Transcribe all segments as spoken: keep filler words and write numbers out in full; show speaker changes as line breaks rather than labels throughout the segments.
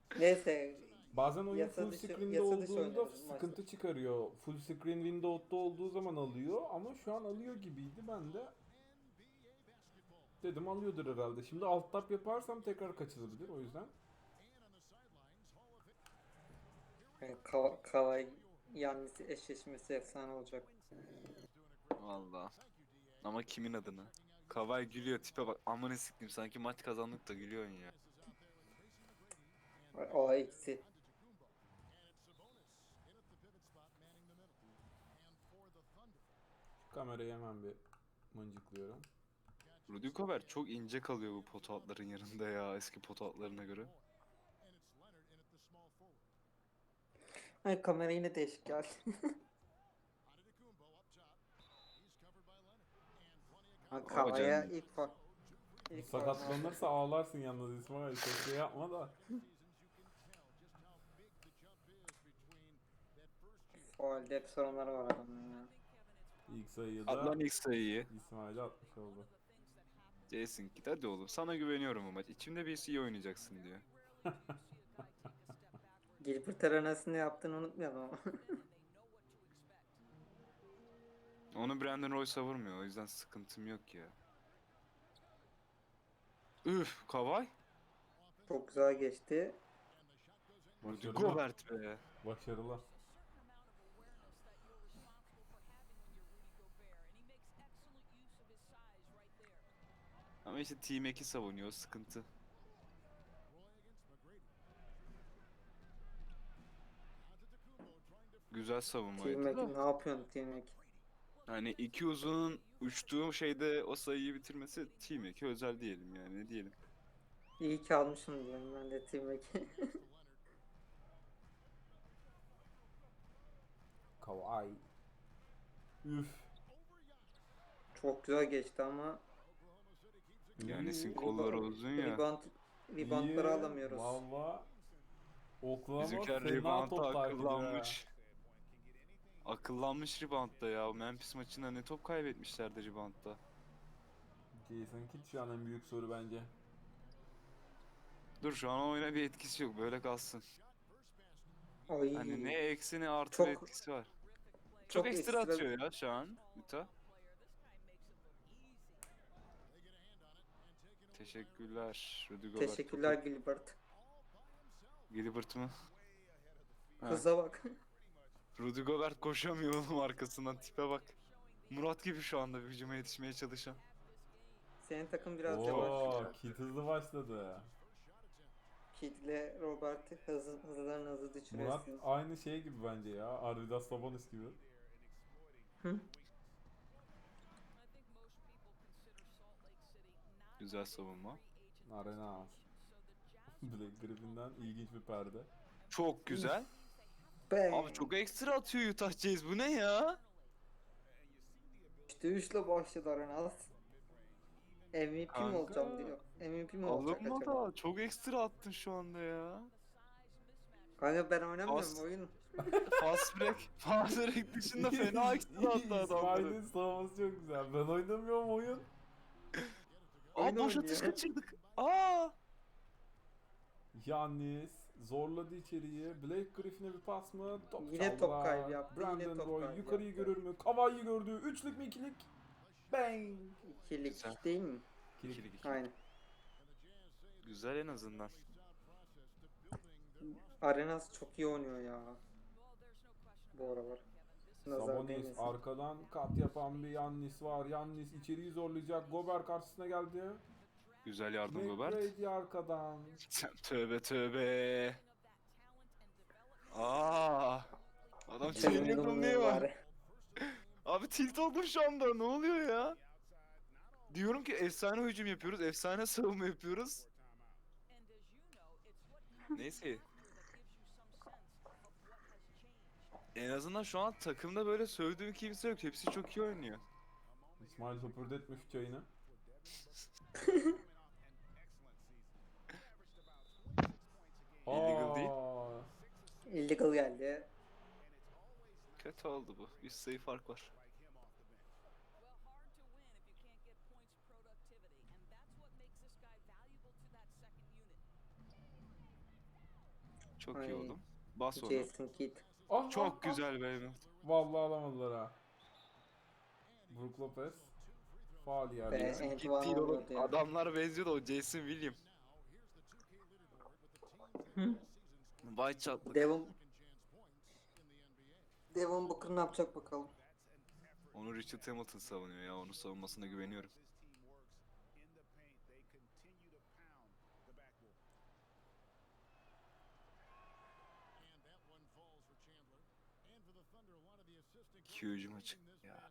Neyse,
Bazen oyun
yasa
full
dışı
screen'de
yasa dışı
olduğunda
oynarız
sıkıntı
maçlar.
çıkarıyor. Full screen window'da olduğu zaman alıyor ama şu an alıyor gibiydi. Ben de dedim alıyordur herhalde. Şimdi alt tab yaparsam tekrar kaçırabilir o yüzden.
Yani Ka Kawhi Giannis eşleşmesi efsane olacak.
Valla. Ama kimin adına? Kavay gülüyor tipe bak. Amına siktim sanki maç kazandık da gülüyorsun ya.
O eksi.
Kamerayı hemen bir mıncıklıyorum.
Rudy Gobert çok ince kalıyor bu pot altların yanında ya eski pot altlarına göre.
Ay, kamera yine değişik geldi. Ha,
O
Kawhi'ye
cennet.
ilk fa ilk faulünü aldı.
Sakatlanırsa ağlarsın yalnız İsmail. Çok şey yapma da.
Faulde hep sorunları var adamın ya.
İlk sayıyı da
Atlan ilk sayıyı.
İsmail'e atmış oldu.
Jason git hadi oğlum sana güveniyorum bu maç. İçimde birisi iyi oynayacaksın diyor.
Gilbert Arenas'ın ne yaptığını unutmayalım ama.
Onu Brandon Roy savurmuyor o yüzden sıkıntım yok ya. Üf Kavay.
Çok güzel geçti.
Rudy
Başarılı.
Gobert be.
Başarılı.
Ama işte Team iki savunuyor sıkıntı. Güzel savunmaydı
T-Mac
da.
ne yapıyorsun T-Mac?
Hani iki uzunun uçtuğu şeyde o sayıyı bitirmesi Team iki özel diyelim yani ne diyelim.
İyi ki almışım diyorum ben de T-Mac.
Kawhi. Üf.
Çok güzel geçti ama
Yanis'in
İyi.
kolları
reba
uzun ya.
rebound reboundları
İyi.
alamıyoruz.
Valla. Oklahoma
Bizimkiler
fena
reboundda
top takibi ha.
akıllanmış. Akıllanmış reboundda ya. Memphis maçında ne top kaybetmişlerdi reboundda.
Jason Kidd şu an en büyük soru bence.
Dur şu an oyuna bir etkisi yok. Böyle kalsın. Hani ne
Ay,
eksi ne artı bir
çok
etkisi var. Çok
çok
ekstra
ekstra.
atıyor ya şu an Utah. Teşekkürler. Rudy Gobert topu.
Teşekkürler Gilbert.
Gilbert mı? Ha.
Hıza bak.
Rudy Gobert koşamıyor oğlum arkasından tipe bak. Murat gibi şu anda bir hücuma yetişmeye çalışan.
Senin takım biraz yavaş.
Oo, Kidd hızlı başladı.
Kid'le Robert hız, hızlarını hızlı
Murat
düşürüyorsunuz.
aynı şey gibi bence ya. Arvidas Sabonis gibi.
Hı?
Güzel savunma.
Arena. Blake Griffin'den ilginç bir perde.
Çok güzel. Abi
Bang.
çok ekstra atıyor Utah Jazz. Bu ne ya?
İşte üçle başladı Arenas. M V P mi olacağım
Kanka
diyor. M V P mi olacak
alınma
acaba?
da çok ekstra attın şu anda ya.
Kanka ben oynamıyorum
Fast,
oyun.
fast break, fast break dışında fena ekstra attı
İsmail'in
adamların.
savunması çok güzel. Ben oynamıyorum oyun.
Oyun
Aa boş atış
oynuyor.
kaçırdık. Aa.
Yannis zorladı içeriği. Blake Griffin'e bir pas mı? Top
Yine top kaybı
çaldılar.
yaptı. Yine
Brandon
top
Roy
kaybı
yukarıyı
yaptı.
görür mü? Kavai'yi gördü. Üçlük mü ikilik? Bang!
Güzel.
İkilik değil mi?
İkilik.
İkilik ikilik.
Aynen.
Güzel en azından.
Arenas çok iyi oynuyor ya. Bu aralar. Nazar
Sabonis
değmesin.
arkadan kat yapan bir Yannis var. Yannis içeriği zorlayacak. Gobert karşısına geldi.
Güzel yardım Gobert.
McGrady arkadan.
Sen tövbe tövbe. Aa. Adam çevirdim
Yudumlayayım
diyor.
bari.
Abi tilt oldum şu anda. Ne oluyor ya? Diyorum ki efsane hücum yapıyoruz, efsane savunma yapıyoruz. Neyse. En azından şu an takımda böyle sövdüğüm kimse yok. Hepsi çok iyi oynuyor.
İsmail höpürdetmiş çayını.
Illegal değil.
Aa,
Illegal geldi.
Kötü oldu bu. Üç sayı fark var. Çok iyi
Ay.
oğlum. Bas onu.
Jason Kidd.
Ah,
Çok
ah,
güzel be Emre.
ah. Vallahi alamadılar ha. Brook Lopez. Faul
Be,
yerde.
Jason
and
Kidd
one
değil oğlum.
olmadı ya.
Adamlar benziyor da o Jason William.
Hı?
Vay çatlık.
Devon Devon Booker ne yapacak bakalım.
Onu Richard Hamilton savunuyor ya. Onun savunmasına güveniyorum. İki hücum açık ya.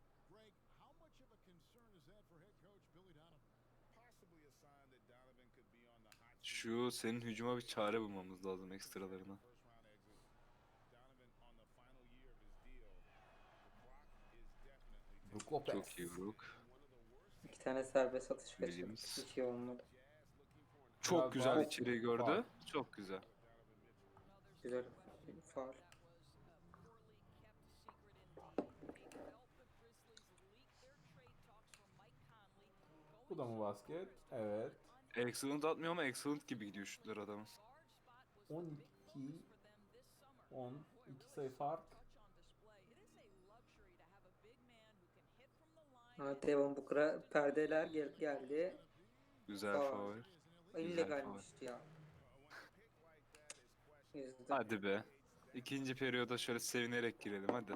Şu senin hücuma bir çare bulmamız lazım ekstralarına.
Brook Lopez.
Çok iyi Brook.
İki tane serbest atış kaçırdık.
Williams.
Hiç iyi olmadı.
Çok
Biraz
güzel
daha-
içeriği gördü.
Faul.
Çok güzel.
Güzel bir faul.
Bu da mı basket? Evet.
Excellent atmıyor ama excellent gibi gidiyor şutlar adamın.
on iki on iki sayı fark.
Ha, Devon Booker'a perdeler gel geldi.
Güzel
Aa.
faul.
İllegalmişti ya. Yüzde.
Hadi be. İkinci periyoda şöyle sevinerek girelim hadi.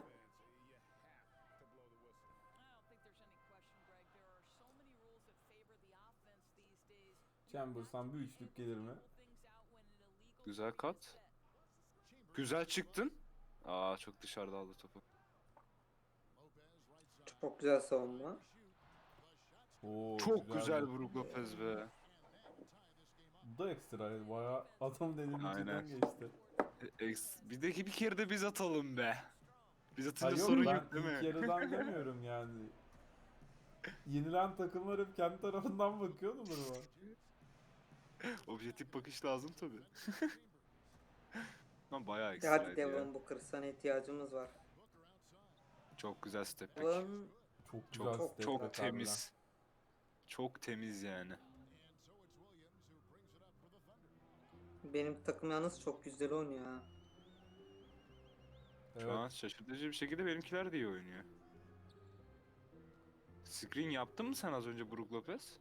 Chambers'tan bir üçlük gelir mi?
Güzel kat. Güzel çıktın. Aa çok dışarıda aldı topu.
Çok güzel savunma.
Oo,
Çok güzel
bu.
Brook Lopez be.
Bu da ekstra. Bayağı adam dediğin
Aynen.
içinden geçti.
Ex- bir de bir kere de biz atalım be. Biz
Ha
atınca
yok,
sorun
ben
yok değil
ilk
mi?
yarıdan demiyorum yani. Yenilen takımlar hep kendi tarafından bakıyor mu duruma?
Objektif bakış lazım tabi. Ama bayağı
Hadi
ekstraydı ya.
Devon Booker, sana ihtiyacımız var.
Çok güzel step back.
Ulan
Çok güzel
Çok
step
çok
back
temiz. Çok temiz yani.
benim takım yalnız çok güzel oynuyor ha.
harbiden.
Şu an
Evet.
şaşırtıcı bir şekilde benimkiler de iyi oynuyor. Screen yaptın mı sen az önce Brook Lopez?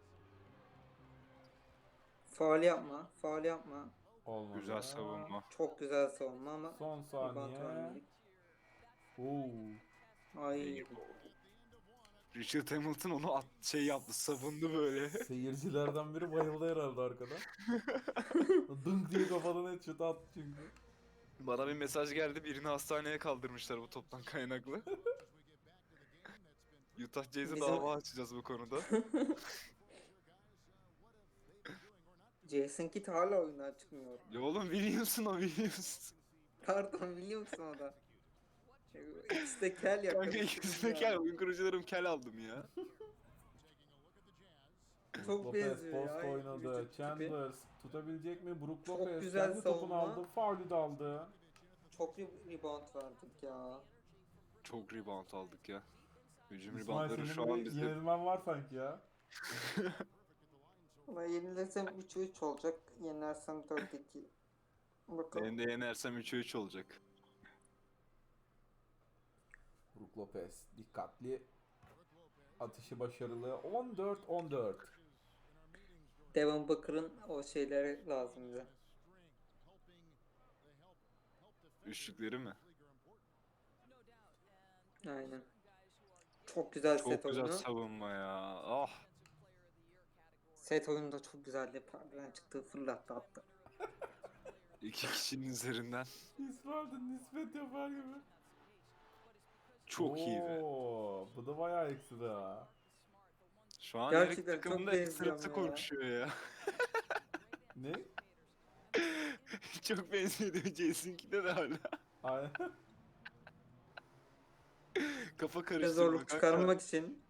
Faul yapma, faul yapma.
Olmadı.
Güzel savunma.
Çok güzel savunma ama
Son
rebound
saniye.
vermedik.
Oo.
Ay,
Richard Hamilton onu at, şey yaptı, savundu böyle.
Seyircilerden biri bayıldı herhalde arkada. Dunk diye kafadan headshot attı çünkü.
Bana bir mesaj geldi, birini hastaneye kaldırmışlar bu toptan kaynaklı. Utah Jazz'e
Bizim-
dava açacağız bu konuda.
Jason Kidd hala oyundan çıkmıyor.
Ya oğlum Williamson o Williams.
Pardon, biliyor musun o da? İkisi de kel ya.
Kanka
karıştırdım
ikisine
ya.
kel, oyun kurucularım kel aldım ya.
Çok
Lopez
benziyor
post
ya.
oynadı.
vücut tipi.
Chandler tutabilecek mi? Brook
Çok
Lopez
güzel
kendi topunu
savunma.
aldı. Faulü de aldı.
Çok re- rebound verdik ya.
Çok rebound aldık ya. Hücum
İsmail
reboundları
senin
şu an
bir
bizde.
yenilmen var sanki ya.
Ama yenilirsem üç üç olacak. Yenersem dört iki. Bakalım.
Benim de yenersem üçe üç olacak.
Brook Lopez dikkatli. Atışı başarılı. on dört on dört.
Devon Booker'ın o şeyleri lazım bize.
Üçlükleri mi?
Aynen. Çok güzel
Çok
set
güzel
oyunu.
savunma ya. Ah.
Set oyunu da çok güzeldi. Pardon, çıktı, fırlattı, attı.
İki kişinin üzerinden.
İsmail'de nispet yapar gibi.
Çok iyi be.
Oo, bu da bayağı ekstra.
Şu an
Gerçekten
Erik
çok
takımında
benziyorum
ekstrası
ya.
konuşuyor ya.
Ne?
Çok benziyor diyor Jason'kine de hala.
Aynen.
Kafa
Ve
karıştırma
zorluk
kanka.
çıkarmak için.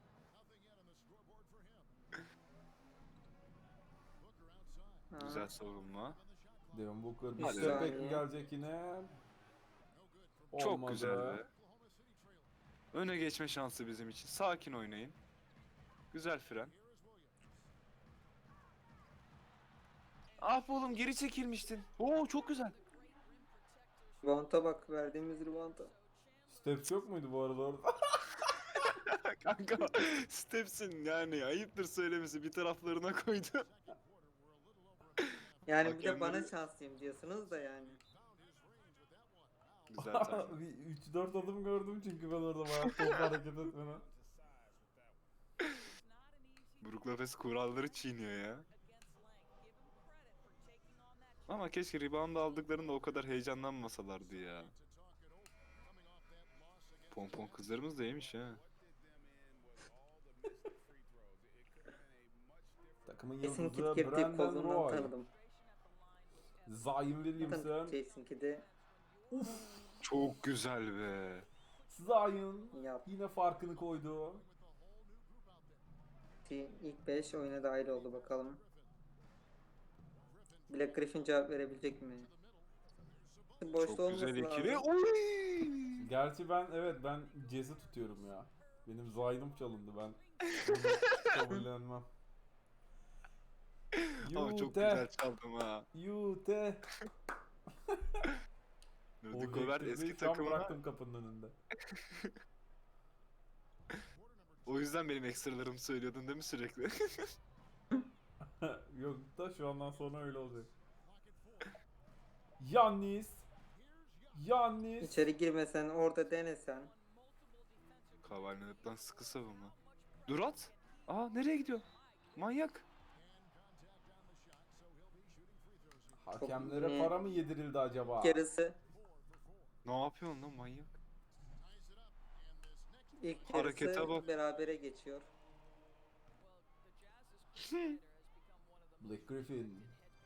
Ha,
Güzel savunma.
Devin Booker bir
Hadi.
step back mi
Saniye.
gelecek yine?
Çok
Olmadı.
güzel be. Öne geçme şansı bizim için. Sakin oynayın. Güzel fren. Ah oğlum geri çekilmiştin. Oo çok güzel.
Rebound'a bak, verdiğimiz rebound'a.
Steps yok muydu bu arada orada?
Kanka Steps'in yani ayıptır söylemesi bir taraflarına koydu.
Yani bir de bana
Hakemleri-
şanslıyım diyorsunuz da yani.
Güzel tahmin.
Bir üç dört adım gördüm çünkü ben orada bayağı top hareket etmeni.
Brook Lopez kuralları çiğniyor ya. Ama keşke rebound aldıklarında o kadar heyecanlanmasalardı ya. Pompon kızlarımız da iyiymiş ha.
Takımın
Jason
yıldızı
Kidd girdiği
Brandon
kolundan
Roy.
tanıdım.
Zion Williamson.
Zaten Jason Kidd'i
Çok güzel be.
Zion
yap.
yine farkını koydu.
İlk beş oyuna dahil oldu, bakalım. Black Griffin cevap verebilecek mi? Boşta
Çok
olması
güzel ikili.
lazım.
Oy!
Gerçi ben evet ben Jazz'i tutuyorum ya. Benim Zion'um çalındı ben. Bunu kabullenmem.
Ama çok
Yute,
güzel çaldım ha.
Yute.
Rudy Gobert eski
Objektifliği şu an
takımına.
bıraktım kapının önünde.
O yüzden benim ekstralarımı söylüyordun değil mi sürekli?
Yok da şu andan sonra öyle olacak. Yannis. Yannis.
İçeri girmesen, orada denesen.
Kavali'den sıkı savunma. Durat? Aa nereye gidiyor? Manyak.
Hakemlere
iyi.
para mı yedirildi acaba?
Yarısı,
Ne yapıyorsun lan manyak?
ilk
Harekete
yarısı
bak.
berabere geçiyor.
Black Griffin.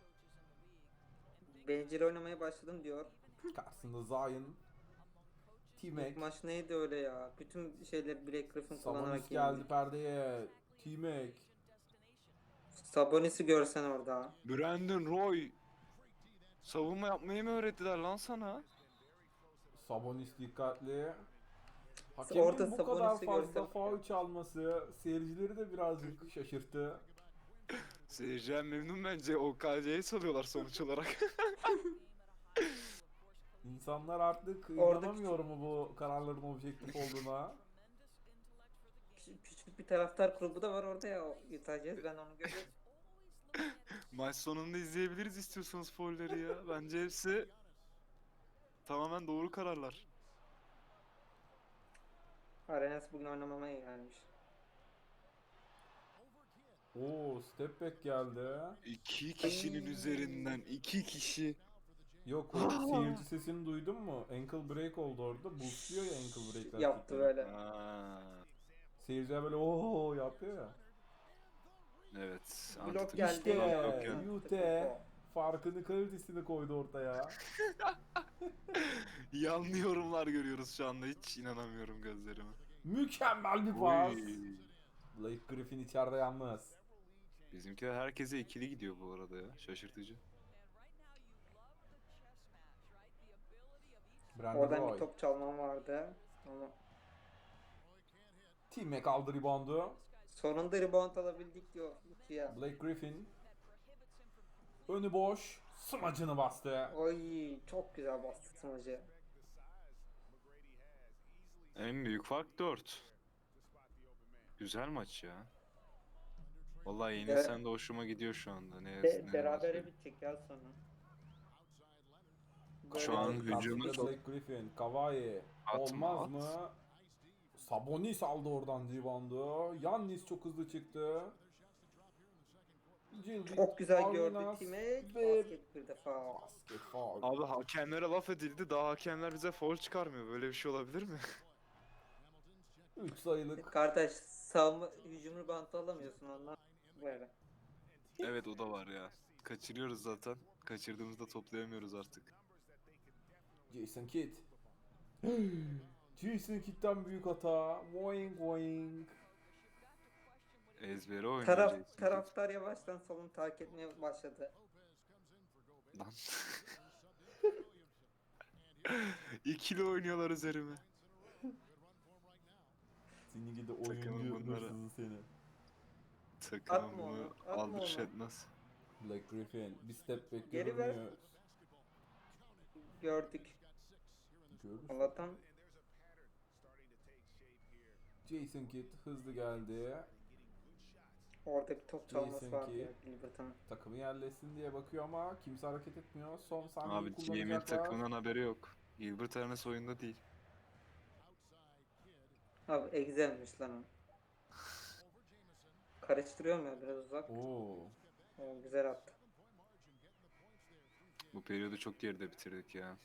Bencil oynamaya başladım diyor.
Karşısında Zion.
İlk
T-Mac.
maç neydi öyle ya? Bütün şeyleri Black Griffin
Sabonis
kullanarak
geldi
yendik.
perdeye. T-Mac.
Sabonis'i görsen orada.
Brandon Roy. Savunma yapmayı mı öğrettiler lan sana?
Sabonis dikkatli. Hakemin
Orada
bu kadar
Sabonis'i
fazla
görsem-
faul çalması seyircileri de birazcık şaşırttı.
Seyirciler memnun bence. O K C'yi salıyorlar sonuç olarak.
İnsanlar artık
Orada
inanamıyor mu bu kararların objektif olduğuna?
Küçük, küçük bir taraftar grubu da var orada ya. Utah Jazz, ben onu görüyorum.
Maç sonunda izleyebiliriz istiyorsanız foul'leri ya. Bence hepsi tamamen doğru kararlar.
Arenas bugün oynamamaya gelmiş.
Oo, step back geldi.
İki kişinin üzerinden iki kişi.
Yok o seyirci sesini duydun mu? Ankle break oldu orada. Boostluyor ya ankle break.
Yaptı
lastikleri.
böyle.
Aa,
Seyirciler böyle ooo yapıyor ya.
evet.
Blok
antitakım
geldi.
İşte
falan
ya.
yok ya.
Ute farkını kalitesini koydu ortaya.
Yanlı yorumlar görüyoruz şu anda. Hiç inanamıyorum gözlerime.
Mükemmel bir pas.
Oy.
Blake Griffin içeride yalnız.
Bizimkiler herkese ikili gidiyor bu arada ya. Şaşırtıcı.
Brandon
Oradan
Roy.
bir top çalmam vardı. Ama
T-Mac aldı reboundu.
sonunda rebound alabildik diyor Utah'ya.
Blake Griffin. Önü boş. Smacını bastı.
Oy, çok güzel bastı smacı.
En büyük fark dört. Güzel maç ya. Vallahi yenilsen de hoşuma gidiyor şu anda. Ne,
Be
ne
berabere
bahsedeyim.
bitecek ya sonra.
Şu
Böyle
an
bir-
Karşısında
hücumumuz-
Blake Griffin. Kawhi.
Atma,
Olmaz
at.
mı? Sabonis aldı oradan reboundu. Yannis çok hızlı çıktı. Gilbert
Çok güzel gördü
Arenas
teammate.
ve
Basket bir defa.
basket foul.
Abi hakemlere laf edildi. Daha hakemler bize foul çıkarmıyor. Böyle bir şey olabilir mi?
üç sayılık.
Kardeş, savunma hücum reboundu alamıyorsun ondan. Böyle.
Evet o da var ya. Kaçırıyoruz zaten. Kaçırdığımızda toplayamıyoruz artık.
Jason Kidd. Jason Kidd'den büyük hata. Boing boing.
Ezbere oynuyor
Taraf,
Jason Kidd.
taraftar yavaştan salonu terk etmeye başladı.
Lan. İkili oynuyorlar üzerime.
Senin gibi
Takımın
oyuncu
bunları.
hırsızı seni.
Takımım
Atma
bunu
onu, atma
aldırış
onu.
etmez.
Black Griffin bir step back
Geri ver.
görünüyor.
Gördük.
Görmüş.
Allah'tan
Jason Kidd hızlı geldi.
orada bir top çalması
Jason
vardı
Kidd.
ya Gilbert'ın.
Takımı yerleşsin diye bakıyor ama kimse hareket etmiyor. Son saniyeyi
Abi G M'in
kullanacaklar.
takımından haberi yok. Gilbert Arenas oyunda değil.
Abi egzelmiş lan o. Karıştırıyorum ya biraz uzak.
Oo.
O güzel attı.
Bu periyodu çok geride bitirdik ya.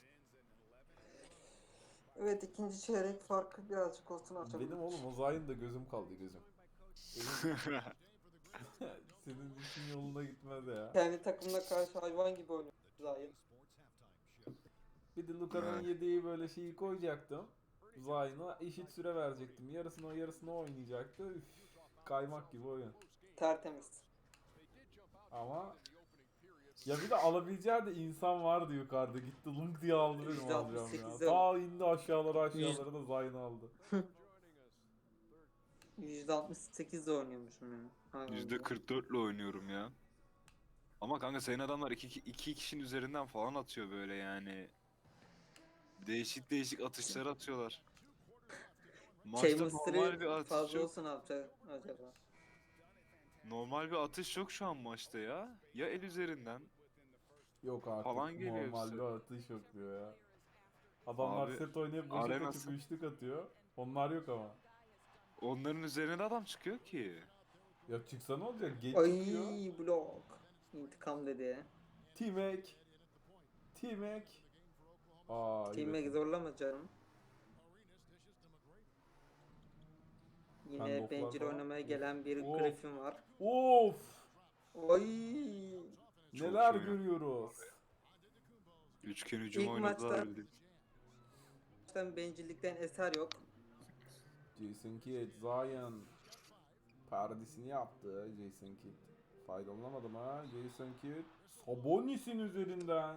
Evet ikinci çeyrek farkı birazcık olsun açabilir.
Benim oğlum o Zayn'da gözüm kaldı gözüm. Benim- Senin işin yoluna gitmez ya.
Kendi takımına karşı hayvan gibi oynuyor Zayn.
Bir de Luka'nın
Evet.
yediği böyle şeyi koyacaktım. Zayn'a eşit süre verecektim. Yarısını o yarısını o oynayacaktı. Üf, kaymak gibi oyun.
Tertemiz.
Ama ya bir de alabileceği de insan vardı yukarıda. Gitti lunk diye aldı benim
yüzde
alacağım
altmış
ya.
sekizde
Daha indi aşağılara aşağılara da Zayn aldı.
yüzde altmış sekizde oynuyormuşum yani. Hayvan
yüzde
gibi.
kırk dört ile oynuyorum ya. Ama kanka senin adamlar iki, iki, iki kişinin üzerinden falan atıyor böyle yani. Değişik değişik atışlar atıyorlar. Maçta normal bir
Chemistry
atış
fazla
yok.
olsun ne yapacak acaba?
Normal bir atış yok şu an maçta ya. Ya el üzerinden.
Yok artık
Falan geliyor
normal
size.
bir atış yok diyor ya. Adamlar
Abi,
set oynayıp boşa
Arenas-
kaçıp üçlük atıyor. Onlar yok ama.
Onların üzerine de adam çıkıyor ki.
Ya çıksa ne olacak? Geç
Ay
çıkıyor.
blok. İntikam dedi.
T-Mac. T-Mac. Aa,
Team'e
evet.
zorlama canım. Yine
Handoff'lar
bencil
falan.
oynamaya
Of.
gelen bir
Of.
Griffin var.
Of!
Oy.
Çok
Neler
iyi oynadı.
görüyoruz.
Üçgen hücum
İlk
oynadılar
maçta-
bildiğin.
İşte bencillikten eser yok.
Jason Kidd, Zion. Perdesini yaptı Jason Kidd. Faydalanamadı mı? Jason Kidd. Sabonis'in üzerinden.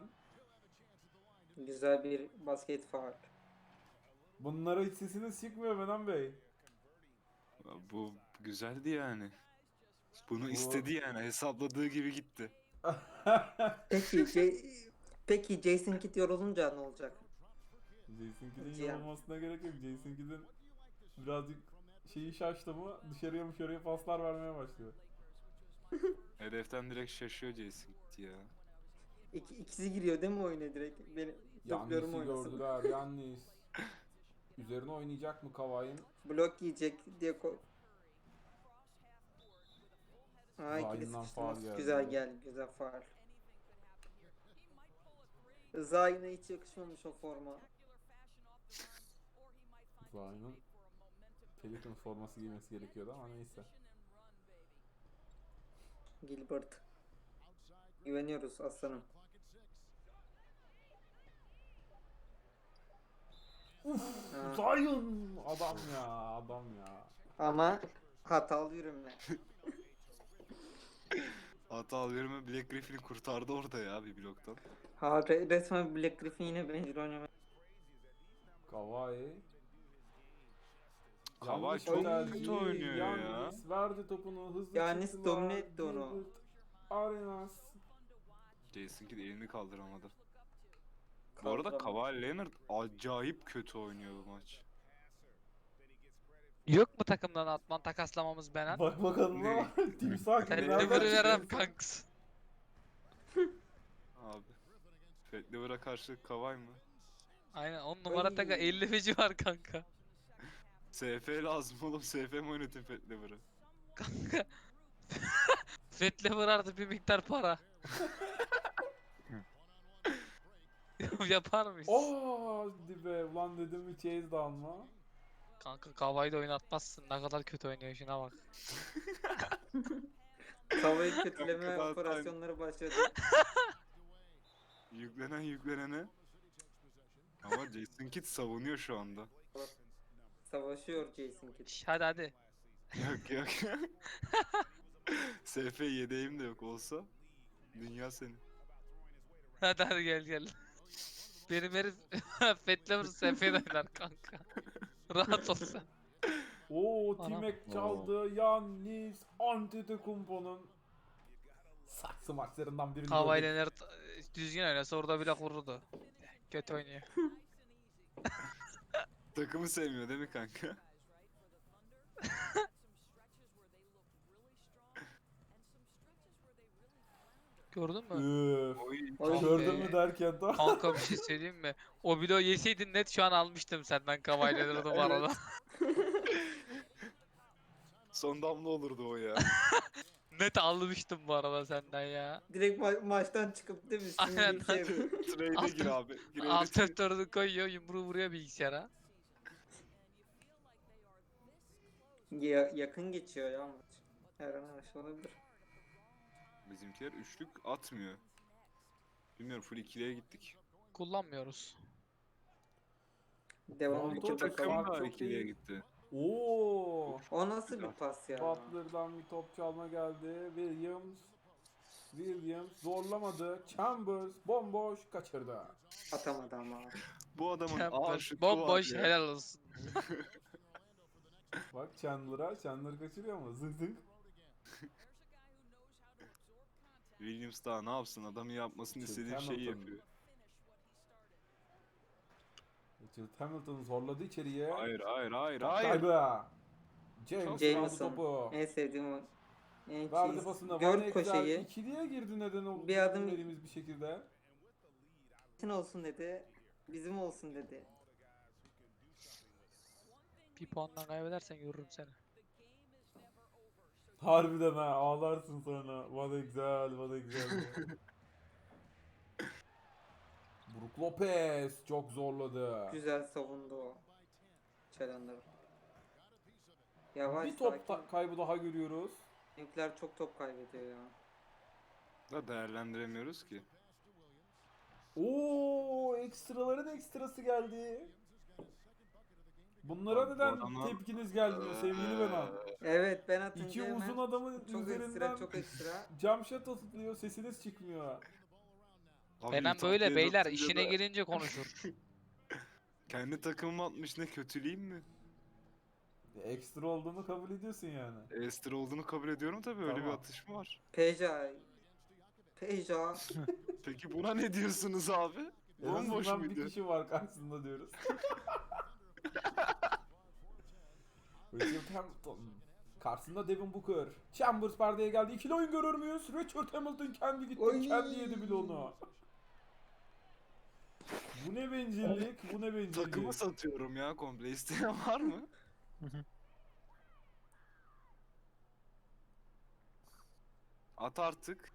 Güzel bir basket faul.
Bunlara hiç sesiniz çıkmıyor Benan Bey.
Bu güzeldi yani. Bunu
Bu-
istedi yani. Hesapladığı gibi gitti.
Peki J- Peki Jason Kidd yorulunca ne olacak?
Jason Kidd'in
Cihan.
yorulmasına gerek yok. Jason Kidd'in birazcık şeyi şaştı mı dışarıya dışarıya paslar vermeye başlıyor.
Hedeften direkt şaşıyor Jason Kidd ya.
İki, ikisi giriyor değil mi oyuna direkt? Beni topluyorum
Yannis'i
oynasın.
gördüler. Yannis. Üzerine oynayacak mı Kawhi'nin?
Blok yiyecek diye ko... Aa ikili
Zayn'dan
sıkıştırması
faul geldi.
güzel geldi. Güzel faul. Zayn'a hiç yakışmamış o forma.
Zayn'ın Pelicans forması giymesi gerekiyordu ama neyse.
Gilbert. Güveniyoruz aslanım.
Uf,
Ha.
Zion! Adam ya, adam ya.
Ama hatalı yürüme.
Hata alıyorum Black Griffin'i kurtardı orada ya bir bloktan.
Ha re- resmen Black Griffin yine bencil oynamaya.
Kawhi.
Kawhi
Yanlış
çok
bir tercih.
kötü oynuyor ya.
Yannis verdi topunu hızlı
Yannis
çıktılar.
domine etti onu.
Gilbert, Arenas.
Jason Kidd elini kaldıramadı. Bu arada
Kaldıramadı.
Kawhi Leonard acayip kötü oynuyor bu maç.
Yok mu takımdan atman takaslamamız Benan?
Bak bakalım
Ne?
ama timsah gibi
Ne?
nereden
Delivery verem
çıkıyorsun?
kanks.
Abi. Fred Lever'a karşı Kawhi mı?
Aynen on numara taka
Ay.
elli feci var kanka.
S F lazım oğlum. S F mi oynatayım Fred Lever'ı?
Kanka. Fetlever artı bir miktar para. Yapar mıyız?
Aa, dibe ulan dedim bir chase down mı?
Kanka Kavai'de oynatmazsın. Ne kadar kötü oynuyor şuna bak.
Kavayı kötüleme
Kanka,
operasyonları başladı.
Yüklenen yüklenene. Ama Jason Kidd savunuyor şu anda.
Savaşıyor Jason Kidd.
Şş, hadi hadi.
Yok yok. S F yedeğim de yok olsa. Dünya senin.
Hadi hadi gel gel. Benim herif Fetlever S F'de oynar kanka. Rahat ol sen.
Oo,
Anam.
Timek çaldı. Yannis Antetokounmpo'nun saç Smaçlarından birini
Kawhi
gördük.
Leonard e, düzgün oynasa orada bile vururdu. Kötü oynuyor.
Takımı sevmiyor değil mi kanka?
Gördün mü?
Üf.
Oy.
Oy.
Gördün
be.
mü derken tam.
Kanka bir şey söyleyeyim mi? O bloğu yeseydin net şu an almıştım senden Kawhi Leonard'ı bu arada.
Son damla olurdu o ya.
Net almıştım bu arada senden ya.
Direkt ma- maçtan çıkıp değil mi?
Aynen.
Sinirli şey yapıyor.
Trade'e gir abi. Gir öyle
Alt
trade.
F dördü koyuyor yumruğu vuruyor bilgisayara.
Ya- yakın geçiyor ya maç. Her an her şey olabilir.
Bizimkiler üçlük atmıyor. Bilmiyorum, full ikiliye gittik.
Kullanmıyoruz.
Devam
Oldu,
İki
iki
takım
takım
var,
da
çok
ikiliye
iyi.
gitti.
Oo.
O nasıl bir pas ya?
Butler'dan bir top çalma geldi. Williams. Williams zorlamadı. Chambers bomboş kaçırdı.
Atamadı ama.
Bu adamın ağır
Chamber
şutu
bomboş
var ya.
helal olsun.
Bak Chandler'a. Chandler kaçırıyor mu? Zık zık.
Williams daha ne yapsın? Adamın yapmasını
Richard
istediği şeyi
Hamilton.
yapıyor.
Richard Hamilton zorladı içeriye.
Hayır hayır hayır hayır.
Kaybı. James aldı
Jameson.
topu.
En sevdiğim o. En
Verdi
cheese.
pasını. Van
Gör
Ekser
koşayı.
ikiliye girdi neden oldu?
Bir adım-
bilmediğimiz bir şekilde.
Bizim olsun dedi. Bizim olsun dedi.
Bir puandan kaybedersen yürürüm seni.
Harbiden ha ağlarsın sonra. Van Ekser, Van Ekser. Brook Lopez çok zorladı.
Güzel savundu o. Challenger. Yavaş
Bir top
sakin.
ta- kaybı daha görüyoruz.
Bizimkiler çok top kaybediyor ya.
Da değerlendiremiyoruz ki.
Oo, ekstraların ekstrası geldi. Bunlara
Abi bu
neden
adamlar-
tepkiniz gelmiyor sevgili Benan?
Evet ben atınca
İki
hemen
uzun adamın
çok
üzerinden
ekstra çok ekstra.
jump shot atılıyor, sesiniz çıkmıyor.
Abi
Benim
Utah
böyle
Jazz
beyler
atınca
işine
da
gelince konuşur.
Kendi takımıma atmış, ne kötüleyeyim mi?
Ekstra olduğunu kabul ediyorsun yani.
Esther olduğunu kabul ediyorum tabii, öyle bir
Tamam.
atış mı var?
Peja. Peja.
Peki buna ne diyorsunuz abi?
En
Bomboş
azından bir
muydu?
kişi var karşısında diyoruz. Richard Hamilton. Karşısında Devin Booker. Chambers perdeye geldi. İkili oyun görür müyüz? Richard Hamilton kendi gitti.
Oy.
Kendi yedi bile onu. Bu ne bencillik? Bu ne bencillik?
Takımı satıyorum ya komple. İsteyen var mı? At artık.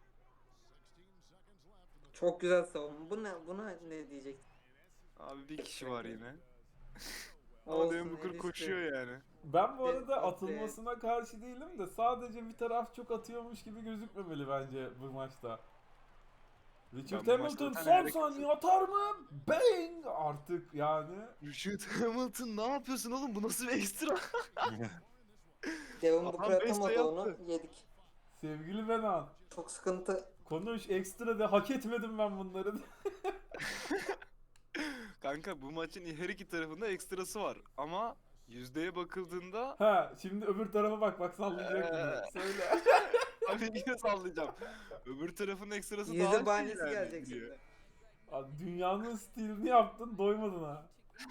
Çok güzel savunma. Bu ne, buna ne diyecek?
Abi bir kişi var yine. Ama
Olsun,
Devin Booker
erişti.
koşuyor yani.
Ben bu
De-
arada
de-
atılmasına karşı değilim de sadece bir taraf çok atıyormuş gibi gözükmemeli bence bu maçta. Richard
Ben bu maçta
Hamilton
zaten
son
hareket-
saniye atar mı? Bang! Artık yani.
Richard Hamilton ne yapıyorsun oğlum? Bu nasıl bir ekstra?
Devin
Adam
Booker
beş
atamadı
sayı
onu.
attı.
Yedik.
Sevgili Benan.
Çok sıkıntı.
Konuş ekstra de hak etmedim ben bunları.
Kanka bu maçın her iki tarafında ekstrası var. Ama yüzdeye bakıldığında
Ha şimdi öbür tarafa bak bak sallayacak gibi. Söyle.
abi yine sallayacağım. Öbür tarafın ekstrası daha
Yüzde
şey
bahanesi
yani
gelecek
diyor.
şimdi.
Abi, dünyanın stilini yaptın doymadın ha.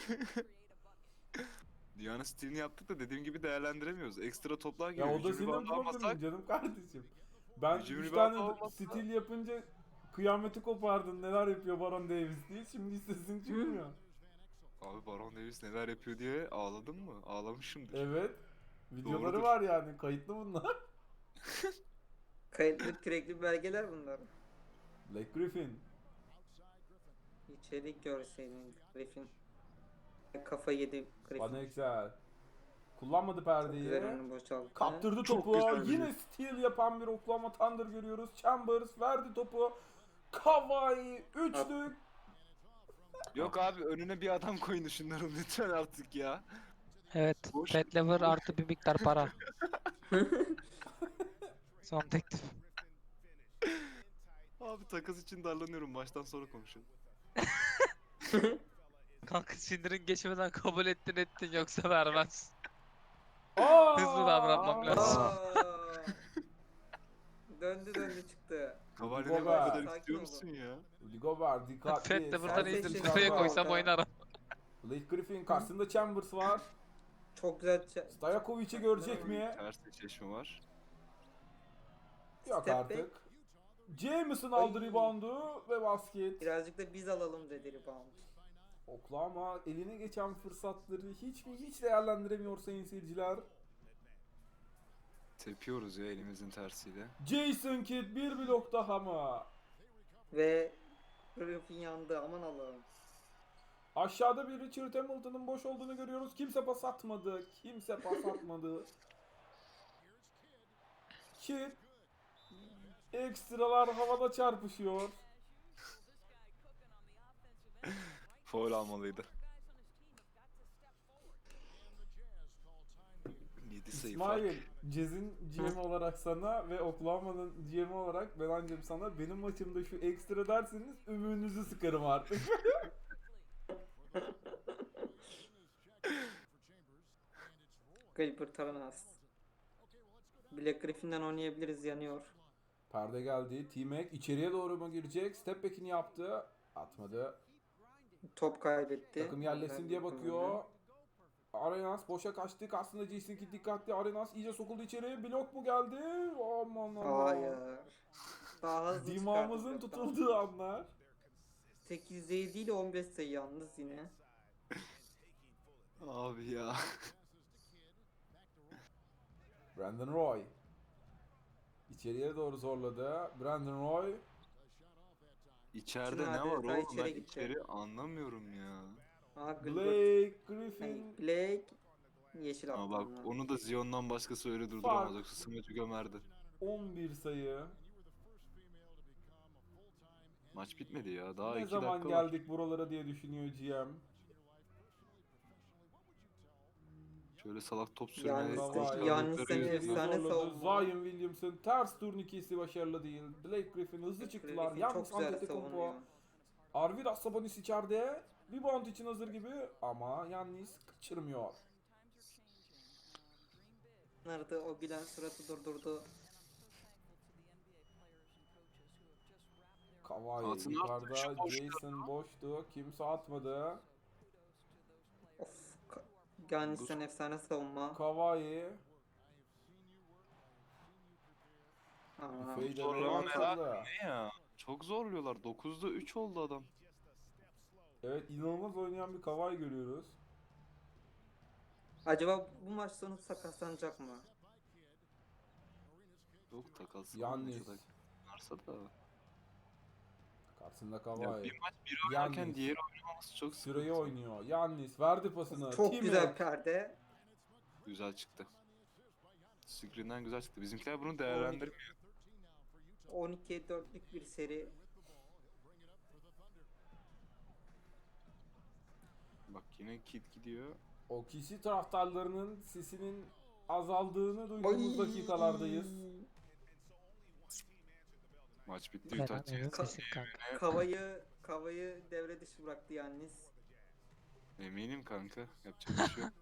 Dünyanın stilini yaptık da dediğim gibi değerlendiremiyoruz. Ekstra toplar gibi.
Ya o da
hücum
senin
reboundu almasak-
problemin canım kardeşim. Ben
Hücum
üç
reboundu
tane
almasa-
stil yapınca kıyameti kopardın neler yapıyor Baron Davis diye şimdi sesin çıkmıyor.
Abi Baron Davis neler yapıyor diye ağladın mı? Ağlamışımdır.
Evet. Videoları
Doğrudur.
var yani kayıtlı bunlar.
Kayıtlı kürekli belgeler bunlar.
Black Griffin.
İçerik görseydin Griffin. Kafa yedi
Van
Griffin.
Exel. Kullanmadı
Güzel
perdeyi.
önünü boşalttı.
Kaptırdı
Çok
topu.
güzel bir
Yine steal yapan bir Oklahoma Thunder görüyoruz. Chambers verdi topu. Kawhi üçlük.
Yok abi, önüne bir adam koyun şunların lütfen artık ya.
Evet.
Boş-
Fat Lever artı bir miktar para. Son teklif.
Abi takas için darlanıyorum, baştan sonra konuşalım.
Kanka sindirin geçmeden kabul ettin ettin yoksa vermez.
Aa!
Hızlı davranmam lazım.
Aa! Döndü döndü çıktı.
Cavali'ni
Gobert.
bu kadar
Sakin
istiyor
olun.
musun ya?
Rudy Gobert dikkatli.
Fed de buradan
Sen
iyidir.
seçin.
Buraya
Bravo.
koysam oynarım.
Blake Griffin karşısında Chambers var.
Çok güzel. ç-
Stojakovic'i görecek mi?
Ters eşleşme var.
Yok
Step
artık. Jameson aldı
Ay.
reboundu ve basket.
Birazcık da biz alalım dedi rebound.
Oklahoma eline geçen fırsatları hiç mi hiç değerlendiremiyor sayın seyirciler.
Tepiyoruz ya elimizin tersiyle.
Jason Kidd bir blok daha mı?
Ve Griffin yandı, aman Allah'ım.
Aşağıda bir Richard Hamilton'ın boş olduğunu görüyoruz. Kimse pas atmadı. Kimse pas atmadı. Kidd ekstralar havada çarpışıyor.
Foul almalıydı. yedi sayı
İsmail,
fark.
Jazz'in G M olarak sana ve Oklahoma'nın G M olarak Benancım sana benim maçımda şu ekstra derseniz ümüğünüzü sıkarım artık.
Gilbert Arenas. Black Griffin'den oynayabiliriz, yanıyor.
Perde geldi. T-Mac içeriye doğru mu girecek? Step back'ini yaptı. Atmadı.
Top kaybetti.
Takım yerleşsin diye bakıyor. Arenas boşa kaçtı. Aslında Jason Kidd dikkatli. Arenas iyice sokuldu içeri. Blok mu geldi? Aman aman.
Hayır. Daha hızlı
Dimağımızın
çıkardık.
tutulduğu anlar.
sekiz değil ile on beş sayı yalnız yine.
Abi ya.
Brandon Roy. İçeriye doğru zorladı. Brandon Roy.
İçeride
Şunu
ne
hadi,
var
daha
oğlum?
içeri
Ben
gitti.
içeri anlamıyorum ya.
Aha Gilbert.
Blake
Ay,
Griffin.
Blake. Yeşil
Ama bak
altın.
onu da Zion'dan başkası öyle durduramaz.
Fark.
Yoksa smacı gömerdi.
on bir sayı.
Maç bitmedi ya. Daha
Ne
iki
zaman
dakika var.
geldik buralara diye düşünüyor G M.
Şöyle salak top
Yani
sürmeye
işte
çalışan
Yannis'in
herifleri
efsane
izliyoruz.
zorladı.
savunma.
Zion Williamson ters turnikesi başarılı değil. Blake Griffin hızlı çıktılar.
Griffin
Yalnız
çok güzel
Antetokounmpo.
savunuyor.
Arvidas Sabonis içeride. Rebound için hazır gibi ama Yannis kaçırmıyor.
Nerede o gülen suratı durdurdu.
Kawhi
Atın
yukarıda.
artık şu boşluğa.
Jason boştu. Kimse atmadı.
Of. Yannis'in efsane savunma.
Kawhi.
Aa,
Fade
Zorlama
away
merak
atıldı.
Ne ya? Çok zorluyorlar. dokuzda üç oldu adam.
Evet, inanılmaz oynayan bir Kawhi görüyoruz.
acaba bu maç sonu sakatlanacak mı?
Yok takalsın.
Yannis.
maçı da Varsa da.
Karşısında
Ya
Kawhi.
bir maç biri oynarken
Yannis.
diğeri oynamaması çok
Süreyi
sıkıntı.
oynuyor. Yannis verdi pasını.
Çok
T-Mac.
güzel perde.
Güzel çıktı. Screen'den güzel çıktı. Bizimkiler bunu değerlendirmiyor.
on ikiye dörtlük bir seri.
Bak yine Kid gidiyor.
O kişi taraftarlarının sesinin azaldığını duyduğumuz
Ay.
dakikalardayız.
Maç bitti. Utah Jazz.
Sesin kanka.
Kavayı Kavayı devre dışı bıraktı Yannis.
Eminim kanka. Yapacak bir şey yok.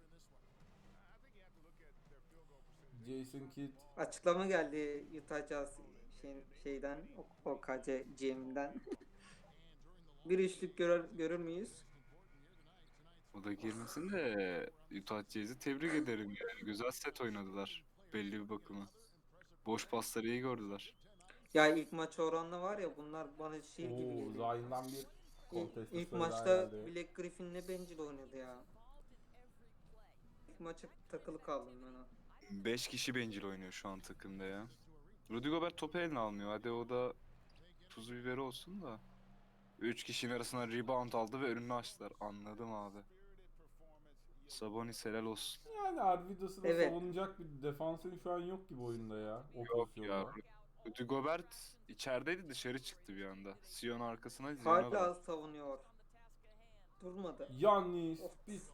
Jason Kidd.
Açıklama geldi Utah Jazz şey, şeyden, O- OKC G M'den. Bir üçlük görür, görür müyüz?
O da girmesin de Utah Jazz'i tebrik ederim yani. Güzel set oynadılar. Belli bir bakıma. Boş pasları iyi gördüler.
Ya ilk maç oranla var ya, bunlar bana şiir gibi
Oo,
geliyor.
Zayn'dan bir
İlk,
konteste
ilk
sayı
maçta
daha geldi.
Black Griffin ne bencil oynadı ya. İlk maça takılı kaldım ben ha.
beş kişi bencil oynuyor şu an takımda ya. Rudy Gobert topu eline almıyor. Hadi o da tuzu biberi olsun da. üç kişinin arasına rebound aldı ve önünü açtılar. Anladım abi. Sabonis helal olsun.
Yani Arvidas'ı da
Evet.
savunacak bir defansın şu an yok gibi oyunda ya. O
Yok
pozisyonda.
ya. Rudy Gobert içerideydi, dışarı çıktı bir anda. Sion arkasına Zion'a
Hala
bak.
savunuyor. Durmadı.
Yannis.
Of.
Bir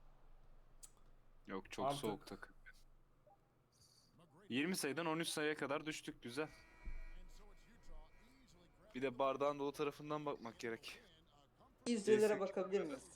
Yok çok
Artık-
soğuk takım. yirmi sayıdan on üç sayıya kadar düştük, güzel. Bir de bardağın dolu tarafından bakmak gerek.
İzleyicilere
Neyse.
bakabilir miyiz?